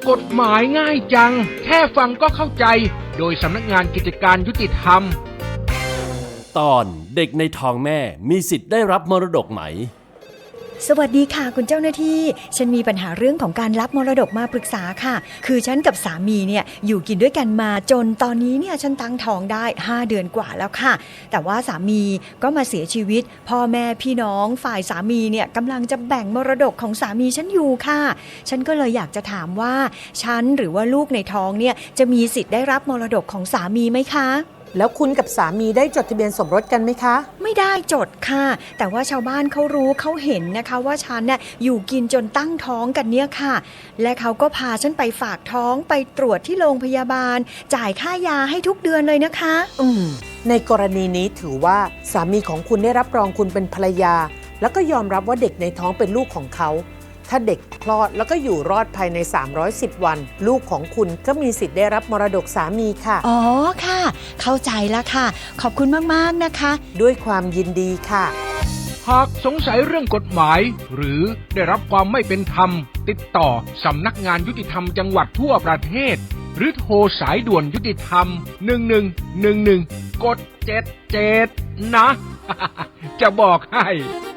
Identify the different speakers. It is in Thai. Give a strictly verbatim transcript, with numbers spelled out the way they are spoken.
Speaker 1: กฎหมายง่ายจังแค่ฟังก็เข้าใจโดยสำนักงานกิจการยุติธรรม
Speaker 2: ตอนเด็กในท้องแม่มีสิทธิ์ได้รับมรดกไหม
Speaker 3: สวัสดีค่ะคุณเจ้าหน้าที่ฉันมีปัญหาเรื่องของการรับมรดกมาปรึกษาค่ะคือฉันกับสามีเนี่ยอยู่กินด้วยกันมาจนตอนนี้เนี่ยฉันตั้งท้องได้ห้าเดือนกว่าแล้วค่ะแต่ว่าสามีก็มาเสียชีวิตพ่อแม่พี่น้องฝ่ายสามีเนี่ยกำลังจะแบ่งมรดกของสามีฉันอยู่ค่ะฉันก็เลยอยากจะถามว่าฉันหรือว่าลูกในท้องเนี่ยจะมีสิทธิ์ได้รับมรดกของสามีไหมคะ
Speaker 4: แล้วคุณกับสามีได้จดทะเบียนสมรสกันไหมคะ
Speaker 3: ไม่ได้จดค่ะแต่ว่าชาวบ้านเขารู้เขาเห็นนะคะว่าฉันเนี่ยอยู่กินจนตั้งท้องกันเนี่ยค่ะและเขาก็พาฉันไปฝากท้องไปตรวจที่โรงพยาบาลจ่ายค่ายาให้ทุกเดือนเลยนะคะ
Speaker 4: อืมในกรณีนี้ถือว่าสามีของคุณได้รับรองคุณเป็นภรรยาแล้วก็ยอมรับว่าเด็กในท้องเป็นลูกของเขาถ้าเด็กคลอดแล้วก็อยู่รอดภายในสามร้อยสิบวันลูกของคุณก็มีสิทธิ์ได้รับมรดกสามีค่ะ
Speaker 3: อ๋อค่ะเข้าใจแล้วค่ะขอบคุณมากๆนะคะ
Speaker 4: ด้วยความยินดีค่ะ
Speaker 1: หากสงสัยเรื่องกฎหมายหรือได้รับความไม่เป็นธรรมติดต่อสำนักงานยุติธรรมจังหวัดทั่วประเทศหรือโทรสายด่วนยุติธรรมหนึ่งหนึ่งหนึ่งหนึ่งกดเจ็ดเจ็ดนะ จะบอกให้